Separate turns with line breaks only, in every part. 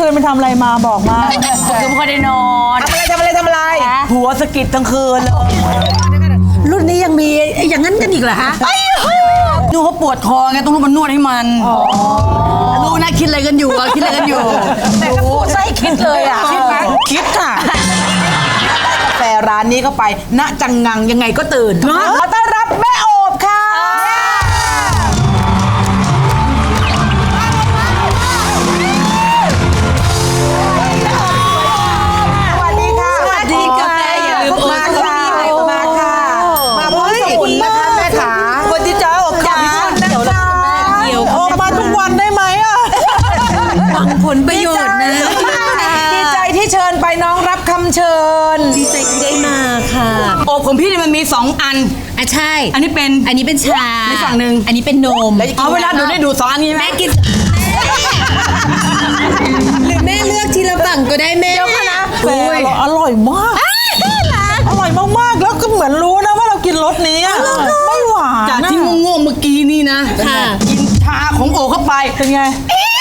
นไปทำอะไรมาบอกมา
คือไม่ค่อยได้นอน
ทำอะไรหัวสะกิดทั้งคืนเลย
รุ่นนี้ยังมีอย่างนั้นกันอีกเหรอฮะดูเขาปวดคอไงต้องรู้มันนวดให้มันรู้นะคิดอะไรกันอยู่อะคิดอะไรกันอยู่
แต่ก็พูดใส่คิดเลยอ่ะคิดไหมคิดค่ะได้กาแฟร้านนี้เข้าไปณจังงังยังไงก็ตื่นขอต้อนรับแม่โอบค่ะสวัสดีค่ะ
สวัสดีกาแฟอย่าลืมโอน
มาค่ะมาค่ะมาพร้อมสมุนนะคะแม่ขาสวัสดีจ้าโอบค่ะเดี๋ยวโอบมาทุกวันได้ไหมอ่ะ
หวังผลประโยชน์นะ
ดีใจที่เชิญไปน้องรับคำเชิญ
ดีใจที่ได้มาค่ะโอบของพี่เนี่ยมันมี2อันอ่ะใช่ อันนี้เป็นชาในฝั่งหนึ่งอันนี้เป็นนมเอาเวลาดูได้ดู2อันนี้แม่กินหรือแม่เลือกทีละฝั่งก็ได้แม่
เดี๋ยวก่อนนะ
แฟอร่อยมากอร่อยมากๆแล้วก็เหมือนรู้นะว่าเรากินรสนี้อะไม่หวาน
จากที่ง่วงๆเมื่อกี้นี่นะกินชาของโอเข้าไป
เป็นไง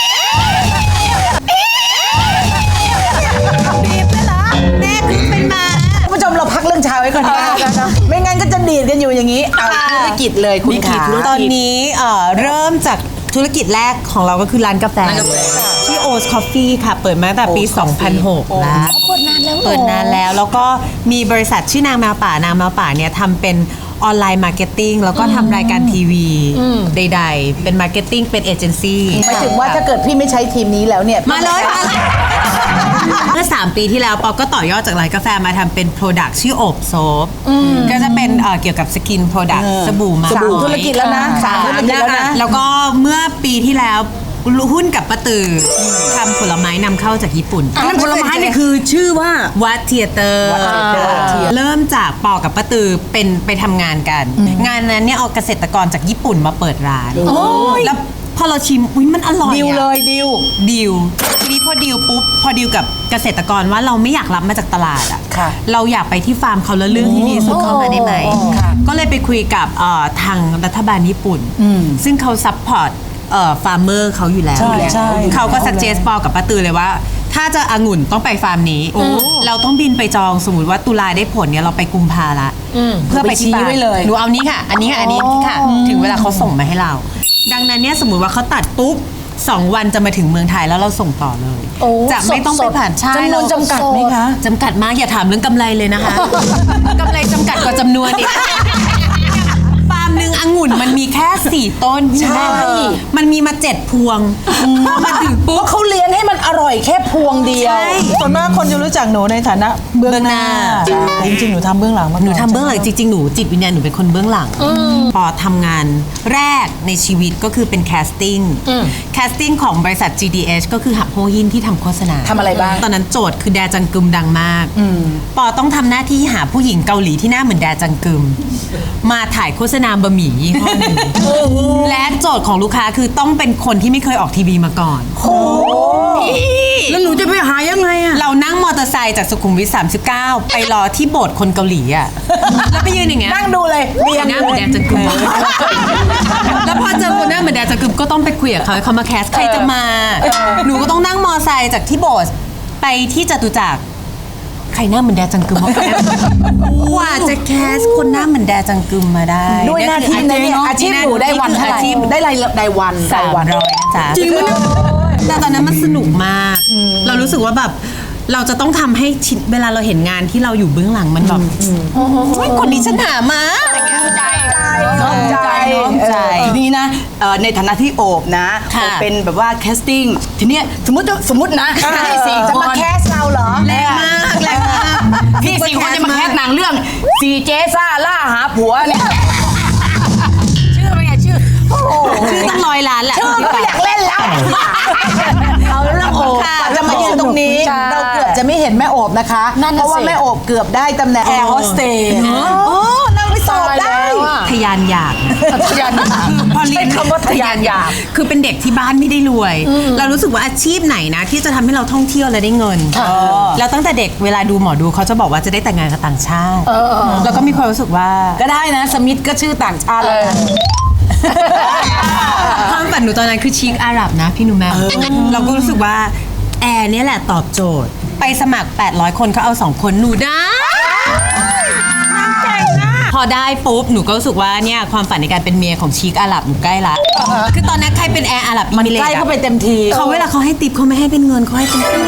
แม่เพิ่งเป็นมา
ท่านผู้ชมเราพักเรื่องชาไว้ก่อนนะไม่งั้นก็จะดีดกันอยู่อย่างนี้เอาธุรกิจเลยคุณขา
ตอนนี้เริ่มจากธุรกิจแรกของเราก็คือร้านกาแฟที่ O's Coffee ค่ะ เปิดมาตั้งแต่ปี 2006 แล้วเปิดนานแล้วแล้วก็มีบริษัทชื่อนางแมวป่านางแมวป่าเนี่ยทำเป็นออนไลน์มาร์เก็ตติ้งแล้วก็ทำรายการทีวีใดๆ เป็นมาร์เก็ตติ้งเป็นเอเจนซี่
หมายถึงว่าถ้าเกิดพี่ไม่ใช้ทีมนี้แล้วเนี่ย
มาเลยเมื่อ3 ปีที่แล้วปอก็ต่อยอดจากร้านกาแฟมาทำเป็นโปรดักต์ชื่อโอบโซฟก็จะเป็นเกี่ยวกับสกินโปรดักต์สบู่มา
สบู่ธุรกิจแล้วนะสามธุรกิจแล้วนะ
แล้วก็เมื่อปีที่แล้วหุ้นกับป้าตือทำผลไม้นำเข้าจากญี่ปุ่น
นั่นผลไม้นี่คือชื่อว่า
วัดเทียเตอร์เริ่มจากปอกับป้าตือเป็นไปทำงานกัน งานนั้นเนี่ยเอาเกษตรกรจากญี่ปุ่นมาเปิดร้านแล้วพอเราชิมอุ้ยมันอร่อย
ดิวเลยดิว
ดิวทีนี้พอดิวปุ๊บพอดิวกับเกษตรกรว่าเราไม่อยากรับมาจากตลาดอ่ะ
ค่ะ
เราอยากไปที่ฟาร์มเขาแล้วเรื่องที่ดีที่สุดเข้ามาได้ไหมก็เลยไปคุยกับทางรัฐบาลญี่ปุ่น ซึ่งเขาซัพพอร์ตฟาร์มเมอร์เขาอยู่แล้ว
ใช่
เขาก็สักเจสปอกับป้าตือเลยว่า ถ้าจะองุ่นต้องไปฟาร์มนี้ เราต้องบินไปจองสมมติว่าตุลาได้ผลเนี่ยเราไปกุมภาละเพื่อไปที่ฟาร์ม
ไว้เลย
หนูเอานี้ค่ะ อันนี้ค่ะอันนี้ค่ะ ถึงเวลาเขาส่งมาให้เรา ดังนั้นเนี่ยสมมติว่าเขาตัดปุ๊บ2 วันจะมาถึงเมืองไทยแล้วเราส่งต่อเลยจะไม่ต้องไปผ่านใช่
จำนวนจำกัดไหมคะ
จำกัดมากอย่าถามเรื่องกำไรเลยนะคะ กำไรจำกัดกว่าจำนวนอีกฟาร์มหนึ่งองุ่นมันมีแค่4 ต้นใช่มันมีมา7 พวงพอมาถึงปุ๊บ
เขาเลี้ยงให้มันอร่อยแค่พวงเดียว
ใช่
ส่วนมากคนจะรู้จักหนูในฐานะเบื้องหน้า
เบื้องหน้า
จริงๆหนูทำเบื้องหลังมาก่อน
หนูทำเบื้องหลังจริงๆ หนูจิตวิญญาณหนูเป็นคนเบื้องหลังพอทำงานแรกในชีวิตก็คือเป็นแคสติ้งของบริษัท GDH ก็คือหักโฮฮินที่ทำโฆษณา
ทำอะไรบ้าง
ตอนนั้นโจทย์คือแดจังกึมดังมากปอต้องทำหน้าที่หาผู้หญิงเกาหลีที่หน้าเหมือนแดจังกึมมาถ่ายโฆษณาบะหมี่ยี่ห้อหนึ่งและโจทย์ของลูกค้าคือต้องเป็นคนที่ไม่เคยออกทีวีมาก่อนพี่
แล้วหนูจะไปหายังไงอะ
เรานั่งมอเตอร์ไซค์จากสุขุมวิท 39 ไปรอที่โบสถ์คนเกาหลีอ่ะ แล้วไปยืนอย่างเงี้ย
นั่งดูเลยเรียง
หน้าเหมือนแดนจังกึมแล้วพอเจอคนหน้าเหมือนแดนจังกึมก็ต้องไปคุยกับเขาให้เขามาแคสใครจะมา หนูก็ต้องนั่งมอเตอร์ไซค์จากที่โบสถ์ไปที่จตุจักรใครหน้าเหมือนแดนจังกึมวะกว่าจะแคสคนหน้าเหมือนแดนจังกึมมาได้
ด้วยหน้าที่นั้นเนี่ยอาชีพหนูได้วันเท่าไหร่ได้รายวัน
300นะจ๊ะจริงมั้ยแต่ตอนนั้นมันสนุกมาก เรารู้สึกว่าแบบเราจะต้องทำให้ชิ้นเวลาเราเห็นงานที่เราอยู่เบื้องหลังมันแบบโอ๊ยคนนี้ฉันหามาอะไรเงี้ย
น้อมใจ
ทีนี้นะในฐานะที่โอบนะ
ค่ะ
โอบเป็นแบบว่าแคสติ้งทีเนี้ยสมมตินะพี่สี่
จะ
ค
มาน แคสเราเหรอ
แรงมากแรงมาก
พี่4 คนจะมาแคสหนังเรื่องสี่เจซ่าล่าหาผัวเนี่ยชื่อเป็นไงชื่อ
ชื่อต้อง100 ล้านแหละ
ชื่อก็อยากเล่นแล้ว เอาเรื่องโอบกว่าจะมายืนตรงนี้ เราเกือบจะไม่เห็นแม่โอบนะคะ เพราะว่าแม่โอบเกือบได้ตำแหน่งแอร์โฮสเตสโอ้นางไปสอบได้
ทะยานอยาก
ทะยานอยาก
พอเรียน
ใช้คำว่าทะยานอยาก
คือเป็นเด็กที่บ้านไม่ได้รวย เรารู้สึกว่าอาชีพไหนนะ ที่จะทำให้เราท่องเที่ยวและได้เงินแล้วตั้งแต่เด็กเวลาดูหมอดูเขาจะบอกว่าจะได้แต่งงานกับต่างชาติแล้วก็มีความรู้สึกว่า
ก็ได้นะสมิธก็ชื่อต่างชาติเลย
ความฝันหนูตอนนั้นคือชีคอาหรับนะพี่หนูแม่เราก็รู้สึกว่าแอร์เนี่ยแหละตอบโจทย์ ไปสมัคร 800 คนเขาเอา 2 คนหนูได้พอได้ปุ๊บหนูก็รู้สึกว่าเนี่ยความฝันในการเป็นเมียของชีคอาหรับหนูใกล้ละคือตอนนั้นใครเป็นแอร์อาหรับอิมิเรตส์
ใกล้เข้าไปเต็มที
เขาเวลาเขาให้ติปเขาไม่ให้เป็นเงินเขาให้เป็นตัว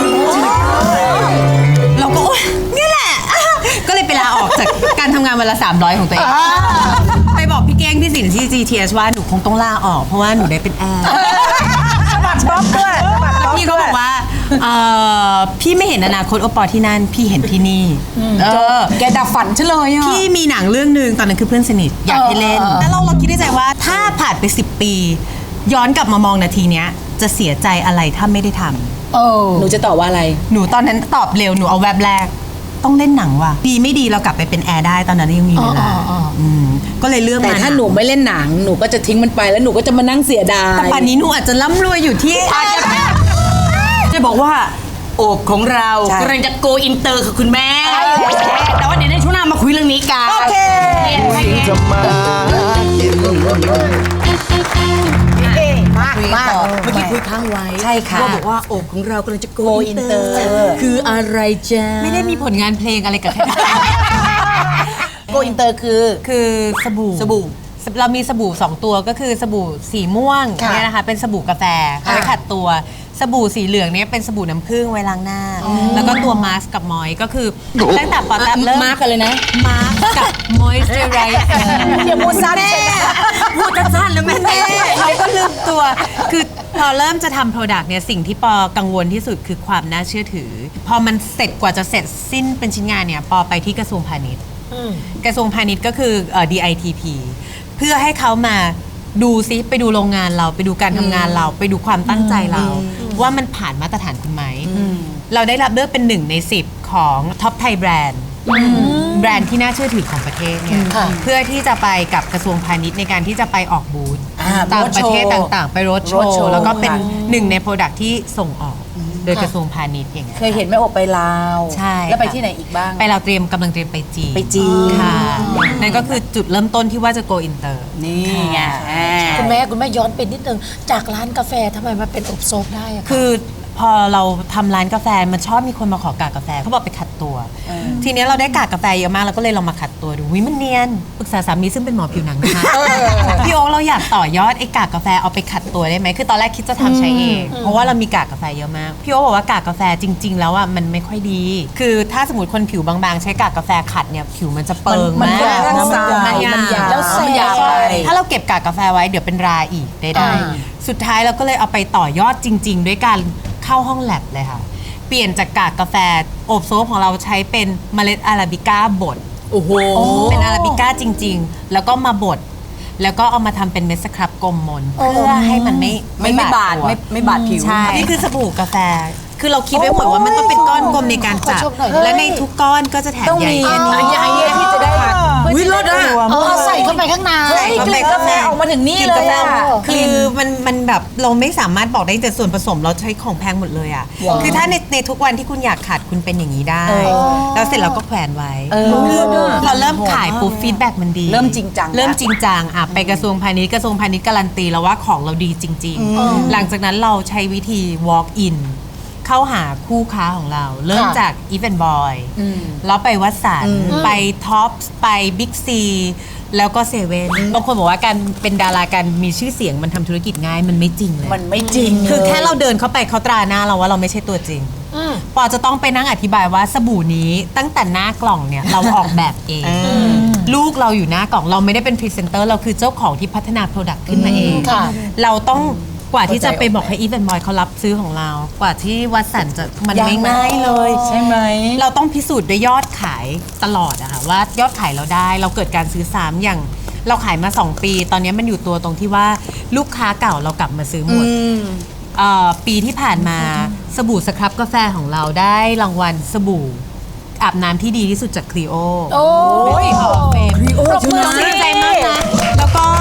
เราก็โอ๊ยเนี่ยแหละ ก็เลยไปลาออกจากการทำงานวันละ 300 ของตัวเองไปบอกพี่เก้งพี่สินที่ GTS ว่าหนูคงต้องลาออกเพราะว่าหนูได้เป็นแอร์
บัตรบล็อกด้วยบัตรบล็อก
พี่ก็บอกว่าพี่ไม่เห็นอนาคตโอปอที่นั่นพี่เห็นที่นี่
แกดับฝันฉันเลยอ่ะ
พี่มีหนังเรื่องหนึ่งตอนนั้นคือเพื่อนสนิทอยากให้เล่นแล้วเราคิดในใจว่าถ้าผ่านไป10 ปี ย้อนกลับมามองนาทีเนี้ยจะเสียใจอะไรถ้าไม่ได้ทำ
หนูจะตอบว่าอะไร
หนูตอนนั้นตอบเร็วหนูเอาแวบแรกต้องเล่นหนังว่ะดีไม่ดีเรากลับไปเป็นแอร์ได้ตอนนั้นยังมีเวลาก็เลยเลือก
แต่
มา
ถ้าหนูไม่เล่นหนังหนูก็จะทิ้งมันไปแล้วหนูก็จะมานั่งเสียดาย
แต่ป่านนี้หนูอาจจะร่ำรวยอยู่ที่จะบอกว่าโอบของเรากำลังจะโกอินเตอร์ค่ะคุณแม่แต่ว่าเดี๋ยวในช่วงหน้ามาคุยเรื่องนี้กัน
โอเค มาก
เมื่อกี้คุยค้างไว้
ใช่ค่ะ
ว่าบอกว่าโอบของเรากำลังจะโก
Go
อินเตอ
Inter
ร์คืออะไรจ๊ะ
ไม่ได้มีผลงานเพลงอะไรกับใคร
โกอินเตอร์คือ
คือสบู่เรามีสบู่ 2 ตัวก็คือสบู่สีม่วง
ค่ะ
เนี่ยนะคะเป็นสบู่กาแฟเอาไว้ขัดตัวสบู่สีเหลืองเนี่ยเป็นสบู่น้ำผึ้งไว้ล้างหน้า แล้วก็ตัวมาสก์กับมอยก็คือตั้งแต่ปอแป๊บเริ่ม
มาร์กกันเลยนะ
มาสก์กับมอยส์เจอไรเซอร์
อย่าพูดสั้นใช่ไหม
พูดสั้นแล้วแม่เขาก็ลืมตัว คือพอเริ่มจะทำโปรดักต์เนี่ยสิ่งที่ปอกังวลที่สุดคือความน่าเชื่อถือ พอมันเสร็จกว่าจะเสร็จสิ้นเป็นชิ้นงานเนี่ยปอไปที่กระทรวงพาณิชย์กระทรวงพาณิชย์ก็คือDITP เพื่อให้เขามาดูซิไปดูโรงงานเราไปดูการทำงานเราไปดูความตั้งใจเรา ว่ามันผ่านมาตรฐานคุณไหมเราได้รับเลือกเป็น1 ใน 10ของท็อปไทยแบรนด์แบรนด์ที่น่าเชื่อถือของประเทศเนี่ยเพื่อที่จะไปกับกระทรวงพาณิชย์ในการที่จะไปออกบูธตามประเทศต่างๆ ไปโรดโชว์แล้วก็เป็น1 ในโปรดักที่ส่งออกโดยกระทรวงพาณิชย์อย่างเงี้ย
เคยเห็นแม่อบไปลาว
ใช่
แล้วไป
ค่ะ
ที่ไหนอีกบ้าง
ไปเรากำลังเตรียมไปจีน
ไปจีน
ค่ะนั่นก็คือจุดเริ่มต้นที่ว่าจะ go inter
นี่ไง
คุณแม่ย้อนไปนิดนึงจากร้านกาแฟทำไมมาเป็นอบโซฟได้อะคะ
คือพอเราทำร้านกาแฟมันชอบมีคนมาขอกากกาแฟเขาบอกไปขัดตัว ทีนี้เราได้กากกาแฟเยอะมากเราก็เลยลองมาขัดตัวดูวิมันเนียนปรึกษาสามีซึ่งเป็นหมอผิวหนังนะคะพี่โอ๊คเราอยากต่อยอดไอ้กากกาแฟเอาไปขัดตัวได้ไหมคือตอนแรกคิดจะทำใช้เองเพราะว่าเรามีกากกาแฟเยอะมากพี่โอ๊คบอกว่ากากกาแฟจริง ๆ แล้วอ่ะมันไม่ค่อยดี คือถ้าสมมติคนผิวบางๆ ใช้กากกาแฟขัดเนี่ยผิวมันจะเปิง
มัน
มาก
แรงสายมันยาว
แล้วแสบ
มันยาวไป
ถ้าเราเก็บกากกาแฟไว้เดี๋ยวเป็นราอีกได้สุดท้ายเราก็เลยเอาไปต่อยอดจริง ๆ ด้วยการเข้าห้องแลบเลยค่ะ เปลี่ยนจากกากกาแฟอบโซฟของเราใช้เป็นเมล็ดอาราบิก้าบด
โอ้โห
เป็นอาราบิก้าจริง ๆ แล้วก็มาบดแล้วก็เอามาทำเป็นเม็ดสครับกลมมนเพื่อให้มันไม่บาดตัว
ไม่บาดผิว
ใช่นี่คือสบู่กาแฟ คือเราคิดไว้หมดว่ามันต้องเป็นก้อนกลมในการจับ
ขอชมหน่อย
และในทุกก้อนก็จะแถม
ต้อง
ใย
มี
แค่นี้
ใยที่จะได้
วิลดอ่ะใส่เข้าไปข้างใน
กลิ่นกาแฟออกมาถึงนี่เลยอ่ะ
คือมันแบบเราไม่สามารถบอกได้แต่ส่วนผสมเราใช้ของแพงหมดเลยอ่ะ คือถ้าในทุกวันที่คุณอยากขัดคุณเป็นอย่างนี้ได้ แล้วเสร็จเราก็แขวนไว้คือพอเริ่มขายปุ๊บฟีดแบ็กมันดี
เริ่มจริงจัง
เริ่มจริงจังอ่ะไปกระทรวงพาณิชย์กระทรวงพาณิชย์การันตีแล้วว่าของเราดีจริง ๆ หลังจากนั้นเราใช้วิธี walk in เข้าหาคู่ค้าของเรา เริ่มจาก Even Boy แล้วไปวัดสันไปท็อปไปบิ๊กซีแล้วก็เซเว่นบางคนบอกว่าการเป็นดาราการมีชื่อเสียงมันทำธุรกิจง่ายมันไม่จริงเลย
มันไม่จริง
คือแค่เราเดินเข้าไปเขาตราหน้าเราว่าเราไม่ใช่ตัวจริงปอจะต้องไปนั่งอธิบายว่าสบู่นี้ตั้งแต่หน้ากล่องเนี่ยเราออกแบบเอง ลูกเราอยู่หน้ากล่องเราไม่ได้เป็นพรีเซนเตอร์เราคือเจ้าของที่พัฒนาโปรดักต์ขึ้นมาเอง
ค่ะ
เราต้องกว่าที่จะไปบอกให้อีฟแอนด์บอยเขารับซื้อของเรา กว่าที่วัดสันจะมันไม่ง่ายเลย
ใช่ไหม
เราต้องพิสูจน์ด้วยยอดขายตลอดอะค่ะว่ายอดขายเราได้เราเกิดการซื้อซ้ำอย่างเราขายมา 2 ปี ตอนนี้มันอยู่ตัวตรงที่ว่าลูกค้าเก่าเรากลับมาซื้อหมดปีที่ผ่านมาสบู่สครับกาแฟของเราได้รางวัลสบู่อาบน้ำที่ดีที่สุดจากคลีโอ
โอ้ย
คลีโอชนะดีใจมากนะแล้วก็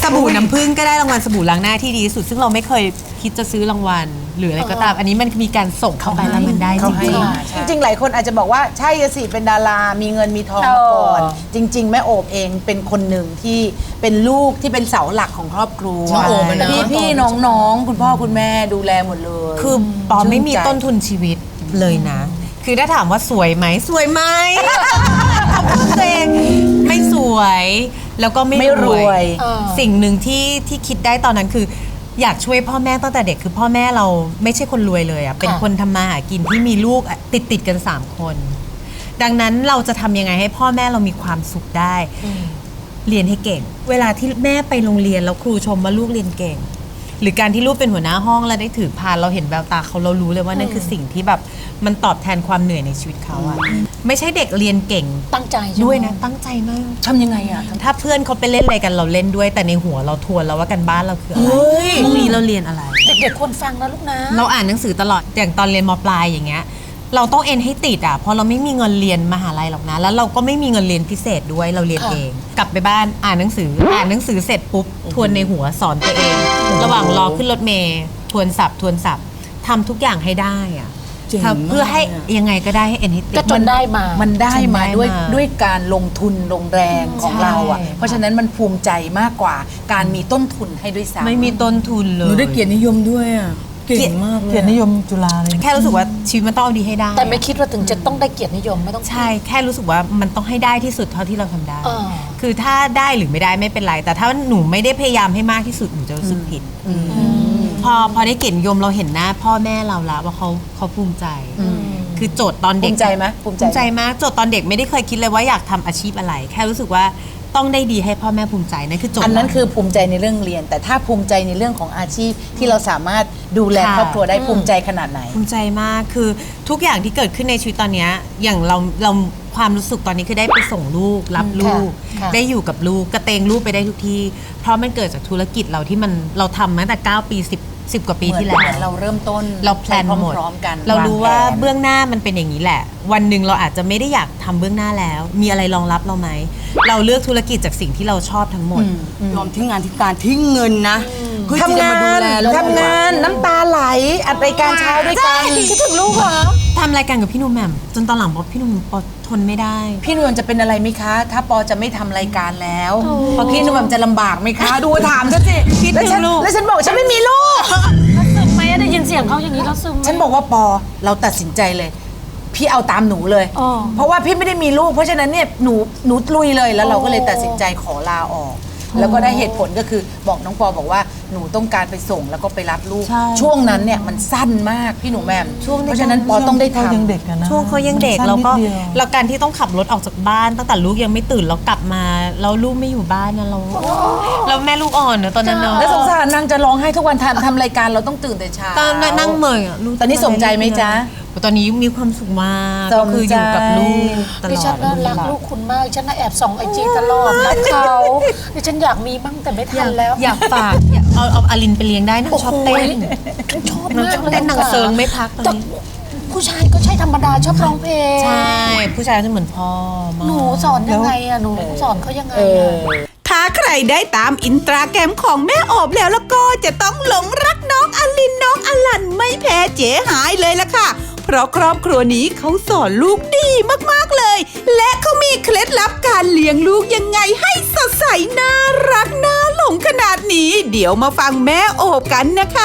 สบู่น้ำผึ้งก็ได้รางวัลสบู่ล้างหน้าที่ดีที่สุดซึ่งเราไม่เคยคิดจะซื้อรางวัลหรืออะไรก็ตาม อันนี้มันมีการส่งเข้าไปแล้วมันได้จริง
จริงๆหลายคนอาจจะบอกว่าใช่สิเป็นดารามีเงินมีทองมาก่อนจริง ๆ แม่โอบเองเป็นคนหนึ่งที่เป็นลูกที่เป็นเสาหลักของครอบครัว
แม่โอบอะนะ
พี่ๆน้องๆคุณพ่อคุณแม่ดูแลหมดเลย
คือปอไม่มีต้นทุนชีวิตเลยนะ คือถ้าถามว่าสวยไหมสวยไหม เอาพูดตัวเองไม่สวยแล้วก็ไม่รวย สิ่งหนึ่งที่คิดได้ตอนนั้นคือ อยากช่วยพ่อแม่ตั้งแต่เด็กคือพ่อแม่เราไม่ใช่คนรวยเลยอ่ะเป็นคนทำมาหากินที่มีลูกติดกัน3 คน ดังนั้นเราจะทำยังไงให้พ่อแม่เรามีความสุขได้ เรียนให้เก่ง เวลาที่แม่ไปโรงเรียนแล้วครูชมว่าลูกเรียนเก่ง หรือการที่ลูกเป็นหัวหน้าห้องแล้วได้ถือพานเราเห็นแววตาเขาเรารู้เลยว่านั่นคือสิ่งที่แบบมันตอบแทนความเหนื่อยในชีวิตเขาอะไม่ใช่เด็กเรียนเก่ง
ตั้งใจใช่ไหม
ด้วยนะตั้งใจมาก
ทำยังไงอ่ะ
ถ้าเพื่อนเขาไปเล่นอะไรกันเราเล่นด้วย แต่ในหัวเราทวนแล้วว่ากันบ้านเราคืออะไรพรุ่งนี้เราเรียนอะไร
เด็กๆควรฟังนะลูกนะ
เราอ่านหนังสือตลอดอย่างตอนเรียนม.ปลายอย่างเงี้ยเราต้องเอ็นให้ติดอ่ะเพราะเราไม่มีเงินเรียนมหาลัยหรอกนะแล้วเราก็ไม่มีเงินเรียนพิเศษด้วยเราเรียนเอง กลับไปบ้านอ่านหนังสือเสร็จปุ๊บทวนในหัวสอนตัวเอง ระหว่างรอขึ้นรถเมล์ทวนศัพท์ทำทุกอย่างให้ได้อ่ะทำเพื่อให้ยังไงก็ได้ให้เอ็นให้ติด
ก็จนได้มา
มันได้มา
จนได้
ด้วย
มา
ด้วยการลงทุนลงแรงของเราอ่ะเพราะฉะนั้นมันภูมิใจมากกว่าการมีต้นทุนให้ด้วยซ้ำ
ไม่มีต้นทุนเลย
หนูได้เกียรตินิยมด้วยอ่ะเก่งมากเลย
เกียรตินิยมจุฬาเลย
แค่รู้สึกว่าชีวิตมันต้องเอาดีให้ได้
แต่ไม่คิดว่าถึงจะต้องได้เกียรตินิยมไม่ต้อง
ใช่แค่รู้สึกว่ามันต้องให้ได้ที่สุดเท่าที่เราทำได้
อ่า
คือถ้าได้หรือไม่ได้ไม่เป็นไร แต่ถ้าหนูไม่ได้พยายามให้มากที่สุดหนูจะรู้สึกผิดพอได้เกียรตินิยมเราเห็นหน้าพ่อแม่เราแล้วว่าเขาภูมิใจ คือโจทย์ตอนเด็
ภู
ก
มิใจไหมภูมิใจ
ภูมิใจมากโจทย์ตอนเด็กไม่ได้เคยคิดเลยว่าอยากทำอาชีพอะไร แค่รู้สึกว่าต้องได้ดีให้พ่อแม่ภูมิใจนั่นคือโจทย์
อันนั้นคือภูมิใจในเรื่องเรียน แต่ถ้าภูมิใจในเรื่องของอาชีพที่เราสามารถดูแล
ค่ะ
ครอบครัวได้ภูมิใจขนาดไหน
ภูมิใจมากคือทุกอย่างที่เกิดขึ้นในชีวิตตอนเนี้ยอย่างเราความรู้สึกตอนนี้คือได้ไปส่งลูกรับลูก
ค่ะ
ได้อยู่กับลูกกระเตงลูกไปได้ทุกที่เพราะมันเกิดจากธุรกิจเราที่เราทำมาตั้งแต่9 ปี10 กว่าปีที่แล้ว
เหมือนเราเริ่มต้น
เราแพลนหมด
พร้อมๆกัน
เรารู้ว่า
แผน
เบื้องหน้ามันเป็นอย่างนี้แหละ วันหนึ่งเราอาจจะไม่ได้อยากทำเบื้องหน้าแล้ว มีอะไรรองรับเราไหมเราเลือกธุรกิจจากสิ่งที่เราชอบทั้งหมด
ยอมทิ้งงานทิ้งการทิ้งเงินนะเพื่อที่
ทำ
จะ
งาม
าน ดูแลลูก
ทำงานน้ำตาไหลอัดรายการเช้าด้วยกัน
คิดถึงลูกเหรอ
ทำรายการกับพี่หนุ่มแหม่มจนตอนหลังบอกพี่หนุ่มปอทนไม่ได้
พี่นวลจะเป็นอะไรไหมคะ ถ้าปอจะไม่ทำรายการแล้วพอพี่นวลจะลำบากไหมคะ ดูถามฉันสิ
คิดถึง
แล้วฉัน
ลูก
แล้วฉันบอกฉันไม่มีลูก
แล้วซึมไหมได้ยินเสียงเขาอย่างนี้แล้วซึมไหม
ฉันบอกว่าปอเราตัดสินใจเลย พี่เอาตามหนูเลย
อ๋อ
เพราะว่าพี่ไม่ได้มีลูก เพราะฉะนั้นเนี่ยหนูลุยเลยแล้วเราก็เลยตัดสินใจขอลาออก แล้วก็ได้เหตุผลก็คือบอกน้องปอบอกว่าหนูต้องการไปส่งแล้วก็ไปรับลูก
ใช่
ช่วงนั้นเนี่ยมันสั้นมากพี่หนูแหม่มเพราะฉะนั้นปอต้องได้
เขา
ทำ
ยังเด็กอะนะ
ช่วงเขายังเด็ก
สั้น
แล้วก็
นิดเดียว
แล้วการที่ต้องขับรถออกจากบ้านตั้งแต่ลูกยังไม่ตื่นแล้วกลับมาแล้วลูกไม่อยู่บ้านนะเราแม่ลูกอ่อนเนอะตอนนั้นเนอะ
แล้วสงสารนางจะร้องไห้ทุกวันทำรายการเราต้องตื่นแต่เช้า
ตอนนั่งเหม่ออะลูก
ตอนนี้สมใจไหมจ๊ะ
ตอนนี้มีความสุขมาก
ส
ก็
มใจ
คืออยู่กับลูกต
ดิ
ลอ
ฉั
ด
นน่ารักลูกคุณมากฉันน่ะแอบส่องไอจีตลอดรักเขาดิฉันอยากมีมั่งแต่ไม่ทันแล้ว
อยากฝากเอาอลินไปเลี้ยงได้นางชอบเต้น
ชอบ
นาง
มาก
ชอบ
เลย
เต้นนางเซิงไม่พักตอน
แต่
นี้
ผู้ชายก็ใช่ธรรมดาชอบร้องเพลง
ใช่ ผู้ชายจะเหมือนพ่อมาก
หนูสอนยังไงอะหนูสอนเขายังไงอะ
ถ้าใครได้ตามอินสตาแกรมของแม่โอบแล้วก็จะต้องหลงรักน้องอลินน้องอลันไม่แพ้เจ๊หายเลยล่ะค่ะ เพราะครอบครัวนี้เขาสอนลูกดีมากๆเลย และเขามีเคล็ดลับการเลี้ยงลูกยังไงให้สดใสน่ารักน่าหลงขนาดนี้ เดี๋ยวมาฟังแม่โอบกันนะคะ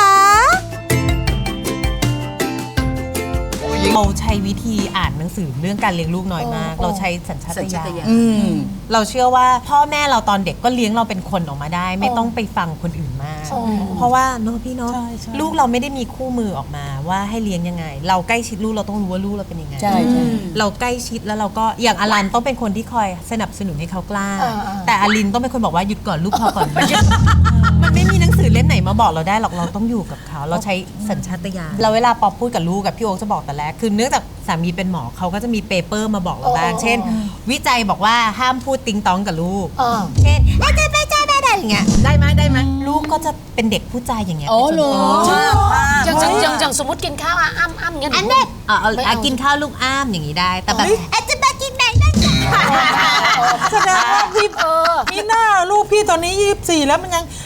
เราใช้วิธีอ่านหนังสือเรื่องการเลี้ยงลูกน้อยมาก เราใช้สัญชาตญาณเราเชื่อว่าพ่อแม่เราตอนเด็กก็เลี้ยงเราเป็นคนออกมาได้ ไม่ต้องไปฟังคนอื่นมาก เพราะว่าเนาะพี่เนาะ
ใช่ใช่
ลูกเราไม่ได้มีคู่มือออกมาว่าให้เลี้ยงยังไง เราใกล้ชิดลูกเราต้องรู้ว่าลูกเราเป็นยังไง
ใช่ใช่
เราใกล้ชิดแล้วเราก็อย่างอลันต้องเป็นคนที่คอยสนับสนุนให้เขากล้า แต่อลินต้องเป็นคนบอกว่าหยุดก่อนลูกพอก่อน มันไม่มีหนังสือเล่มไหนมาบอกเราได้หรอกเราต้องอยู่กับเขาเราใช้สัญชาตญาณเราเวลาปอพูดกับลูกกับพี่โอ๊คจะบอกแต่แรกคือเนื่องจากสามีเป็นหมอเขาก็จะมีเปเปอร์มาบอกเราบ้างเช่น วิจัยบอกว่าห้ามพูดติงตองกับลูก เช่นอาจารย์ไม่ใช่ได้อย่างเงี้ยได้ไหมลูกก็จะเป็นเด็กพูดจาอย่างเงี้ย
โอ้โห
อย่างสมมติกินข้าวอ่ะอ้ำอย่างเงี้ย
อันเด็ก
ไม่เอา
กินข้าวลูกอ้ามอย่างงี้ได้ แต่แบบอาจจะมากินไหนได้
แสดงว่าพี่มีหน้าลูกพี่ตอนนี้24แล้วมันยัง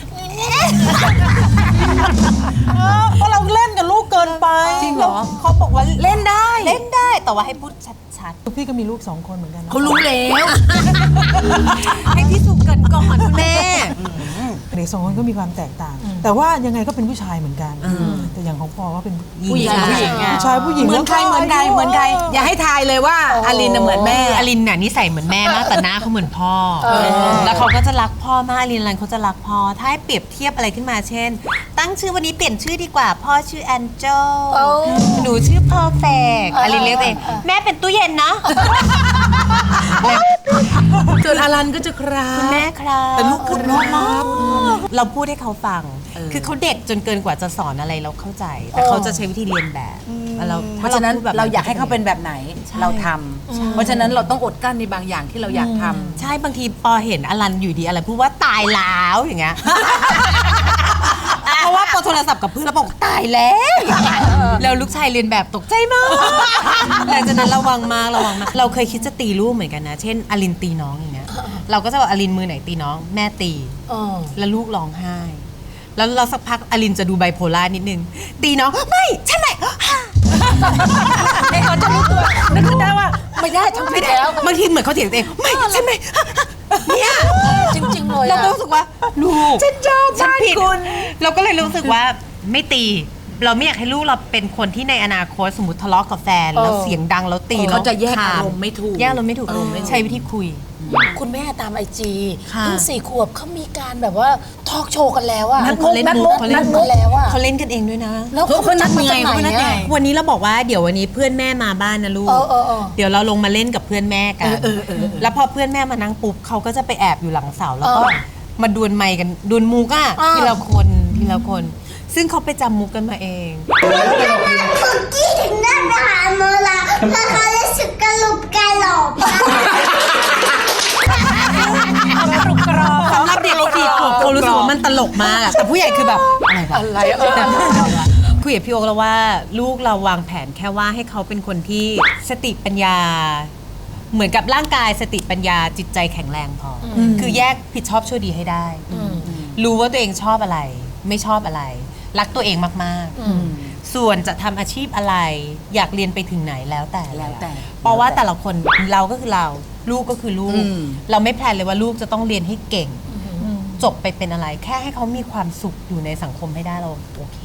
เพราะเราเล่นกับลูกเกินไป
จริงเหรอเขาบอกว่าเล่นได้แต่ว่าให้พูดชัด
พี่ก็มีลูก2 คนเหมือนกันนะ
เขารู้แล้ว
ๆให้พี่สุกเกินก่อนคุณแม่
เด็ก2 คนก็มีความแตกต่าง แต่ว่ายังไงก็เป็นผู้ชายเหมือนกัน แต่อย่างของปอว่าเป็น
ผู้หญิง
ผู้หญิงเหมือนใคร
อย่าให้ทายเลยว่าอลินน่ะเหมือนแม่
อลินน่ะนิสัยเหมือนแม่มากแต่หน้าเขาเหมือนพ่อแล้วเขาก็จะรักพ่อมากอลินเขาจะรักพ่อถ้าให้เปรียบเทียบอะไรขึ้นมาเช่น ตั้งชื่อวันนี้เปลี่ยนชื่อดีกว่าพ่อชื่อแอนเจลหนูชื่อเพอร์เฟกต์อลินเรียกตัวเองแม่เป็นตู้เย็นนะ
ส่วนอลันก็จะครา
คุณแม่ครับ
แต่ลูกพูดน้อยมาก
เราพูดให้เขาฟัง คือเขาเด็กจนเกินกว่าจะสอนอะไรเราเข้าใจ แต่เขาจะใช้วิธีเรียนแบบแล้ว
เพราะฉะนั้น
พูดแบบ
เราอยากให้เขาเป็นแบบไหนเราทำเพราะฉะนั้นเราต้องอดกลั้นในบางอย่างที่เราอยากทำ
ใช่บางทีปอเห็นอลันอยู่ดีอลันพูดว่าตายแล้วอย่างเงี้ย เพราะว่าปอโทรศัพท์กับเพื่อนแล้วบอกตายแล้วแล้วลูกชายเรียนแบบตกใจมากหลังจากนั้นระวังมากเราเคยคิดจะตีลูกเหมือนกันนะเช่นอลินตีน้องอย่างเงี้ยเราก็จะบอกอลินมือไหนตีน้องแม่ตีแล้วลูกร้องไห้แล้วเราสักพักอลินจะดูไบโพล่านิดนึงตีน้องไม่ใช่ไหมเขาจะรู้ตัวนึกขึ้นได้ว่าไม่ได้ทำไม่ได้บางทีเหมือนเขาเถียงตัวเองไม่ใช่ไหมเนี่ย
จริงๆเลย
เรา
อะ
ก็รู้สึกว่าลูกฉันชอบบ้านคุณเราก็เลยรู้สึกว่าไม่ตี เราไม่อยากให้ลูกเราเป็นคนที่ในอนาคตสมมติทะเลาะกับแฟนแล้วเสียงดังแล้วตี
เขาจะแยกอารมณ์ไม่ถูก
แยกอารมณ์ไม่ถูกใช้วิธีคุย
คุณแม่ตามIG
ค่ะ
เพิ่ง4 ขวบเขามีการแบบว่าทอล์กโชว์กันแล้วอะ
เขาเล่นมุก
นัดมุกแล้วอะ
เขาเล่นกันเองด้วยนะ
แล้วเขานัดยังไง
วันนี้เราบอกว่าเดี๋ยววันนี้เพื่อนแม่มาบ้านนะลูก เดี๋ยวเราลงมาเล่นกับเพื่อนแม่กันแล้วพอเพื่อนแม่มานั่งปุ๊บเขาก็จะไปแอบอยู่หลังเสาแล้วก็มาดวลไมค์กันดวลมุกอะทีละคน ซึ่งเขาไปจำมุกกันมาเอง
คุกกี้ถึงได้ไปหาโมลาเพราะเขารู้สึกกระลุกกระหลบ
สำหรับเด็ก4 ขวบเขารู้สึกว่ามันตลกมากอะแต่ผู้ใหญ่คือแบบอะไรคุยกับพี่โอ๊คแล้วว่าลูกเราวางแผนแค่ว่าให้เขาเป็นคนที่สติปัญญา เหมือนกับร่างกายสติปัญญาจิตใจแข็งแรงพออคือแยกผิดชอบชั่วดีให้ได้ รู้ว่าตัวเองชอบอะไรไม่ชอบอะไร รักตัวเองมากๆส่วนจะทำอาชีพอะไรอยากเรียนไปถึงไหนแล้วแต่เพราะว่าแต่ละคนเราก็คือเราลูกก็คือลูกเราไม่แพลนเลยว่าลูกจะต้องเรียนให้เก่งจบไปเป็นอะไร แค่ให้เขามีความสุขอยู่ในสังคมให้ได้เราโอเค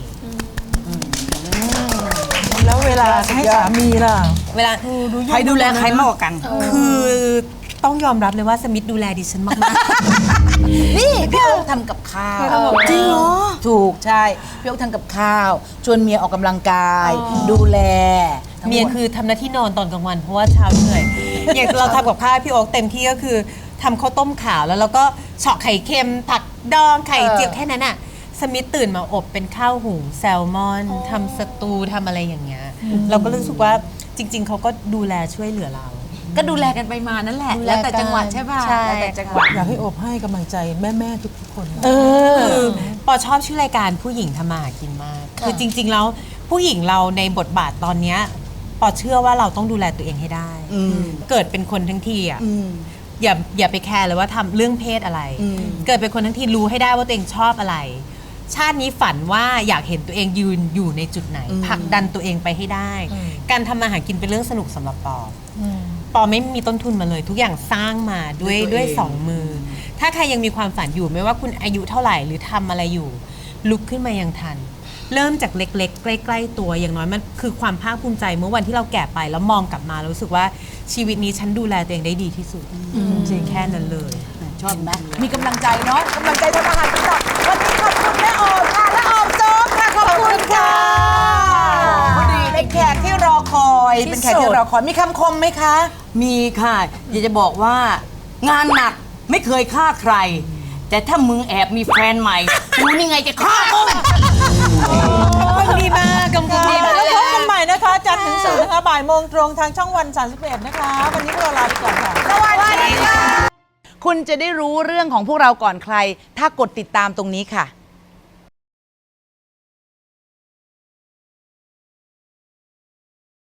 แล้วเวลาให้สามีล่ะ
เวลา
ใครดูแลใครมากกว่ากัน
คือต้องยอมรับเลยว่าสมิธดูแลดิฉันมาก
นี่พี่โอ๊คทำกับข้าวจริงเหรอถูกใช่พี่โอ๊คทำกับข้าวชวนเมียออกกำลังกาย ดูแล
ๆเมียคือทำหน้าที่นอนตอนกลางวันเพราะว่าเช้าเหนื่อย อย่างเราทำกับข้าวให้พี่โอ๊คเต็มที่ก็คือทำข้าวต้มขาวแล้วเราก็เฉาะไข่เค็มผักดองไข่เจียวแค่นั้นอ่ะสมิธตื่นมาอบเป็นข้าวหุงแซลมอนทำสตูทำอะไรอย่างเงี้ยเราก็รู้สึกว่าจริง ๆเขาก็ดูแลช่วยเหลือเรา
ก็ดูแลกันไปมานั่นแหละ แล้วแต่จังหวัดใช่ป่ะ
ใช่
แล้วแต่จังหวัด
อยากให้อบให้กำลังใจแม่ๆทุกๆคน
คือปอชอบชื่อรายการผู้หญิงทำมาหากินมาก คือจริง ๆ แล้วผู้หญิงเราในบทบาทตอนเนี้ยปอเชื่อว่าเราต้องดูแลตัวเองให้ได้ เกิดเป็นคนทั้งทีอ่ะอย่าไปแคร์เลยว่าทำเรื่องเพศอะไร เกิดเป็นคนทั้งทีรู้ให้ได้ว่าตัวเองชอบอะไร ชาตินี้ฝันว่าอยากเห็นตัวเองยืนอยู่ในจุดไหนผลักดันตัวเองไปให้ได้ การทำมาหากินเป็นเรื่องสนุกสำหรับปอไม่มีต้นทุนมาเลย ทุกอย่างสร้างมาด้วยสองมือ ถ้าใครยังมีความฝันอยู่ไม่ว่าคุณอายุเท่าไหร่หรือทำอะไรอยู่ ลุกขึ้นมายังทัน เริ่มจากเล็กๆ ใกล้ๆตัวอย่างน้อยมันคือความภาคภูมิใจเมื่อวันที่เราแก่ไปแล้วมองกลับมาแล้วรู้สึกว่าชีวิตนี้ฉันดูแลตัวเองได้ดีที่สุดจริงแค่นั้นเลย
ชอบไหมมีกำลังใจเนาะกำลังใจทำอาหารต่อวันนี้ขอบคุณแม่ออมค่ะและออมโจ๊กค่ะขอบคุณค่ะเป็นแขกที่รอคอยเป็นแขกที่รอคอยมีคำคมไหมคะ
มีค่ะ อยากจะบอกว่างานหนักไม่เคยฆ่าใคร แต่ถ้ามึงแอบมีแฟนใหม่กูนี่ไงจะฆ่ามึง
ดีมากกำกับดี
แล้ว
มาก
พบกันใหม่นะคะจันทร์ถึงศุกร์นะคะบ่ายโมงตรงทางช่องวัน31นะคะ วันนี้พวกเราลาไปก่อนค่ะ
สวัสดีค่ะ คุณจะได้รู้เรื่องของพวกเราก่อนใคร ถ้ากดติดตามตรงนี้ค่ะ